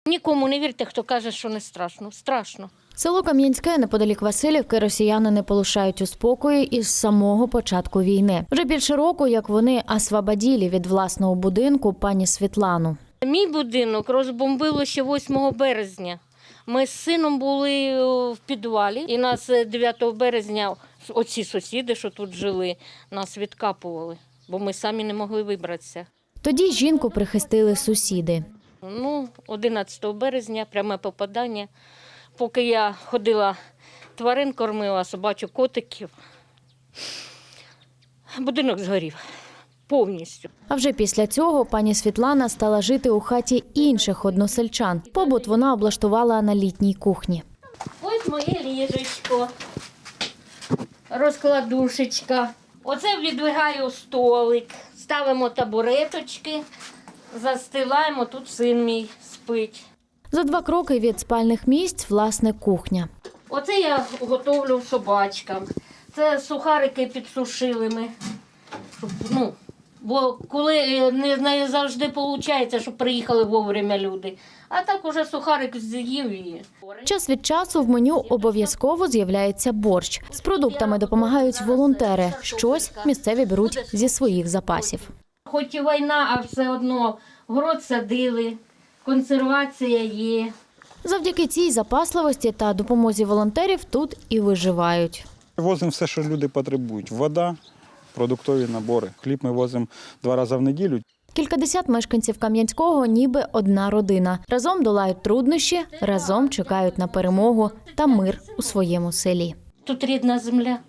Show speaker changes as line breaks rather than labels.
Нікому не вірте, хто каже, що не страшно. Страшно.
Село Кам'янське неподалік Василівки росіяни не полишають у спокої із самого початку війни. Вже більше року, як вони освободили від власного будинку пані Світлану.
Мій будинок розбомбило ще 8 березня. Ми з сином були в підвалі, і нас 9 березня оці сусіди, що тут жили, нас відкапували, бо ми самі не могли вибратися.
Тоді жінку прихистили сусіди.
11 березня пряме попадання. Поки я ходила, тварин кормила, собачок, котиків, будинок згорів повністю.
А вже після цього пані Світлана стала жити у хаті інших односельчан. Побут вона облаштувала на літній кухні.
Ось моє ліжечко, розкладушечка. Оце відвигаю столик, ставимо табуреточки, застилаємо, тут син мій спить.
За 2 кроки від спальних місць – власне кухня.
Оце я готовлю собачкам. Це сухарики підсушили ми. Бо коли не завжди виходить, щоб приїхали вовремя люди. А так уже сухарик з'їв і...
Час від часу в меню обов'язково з'являється борщ. З продуктами допомагають волонтери. Щось місцеві беруть зі своїх запасів.
Хоч і війна, а все одно город садили, консервація є.
Завдяки цій запасливості та допомозі волонтерів тут і виживають.
Возимо все, що люди потребують. Вода, продуктові набори. Хліб ми возимо 2 рази в неділю.
Кількадесят мешканців Кам'янського ніби одна родина. Разом долають труднощі, разом чекають на перемогу та мир у своєму селі.
Тут рідна земля.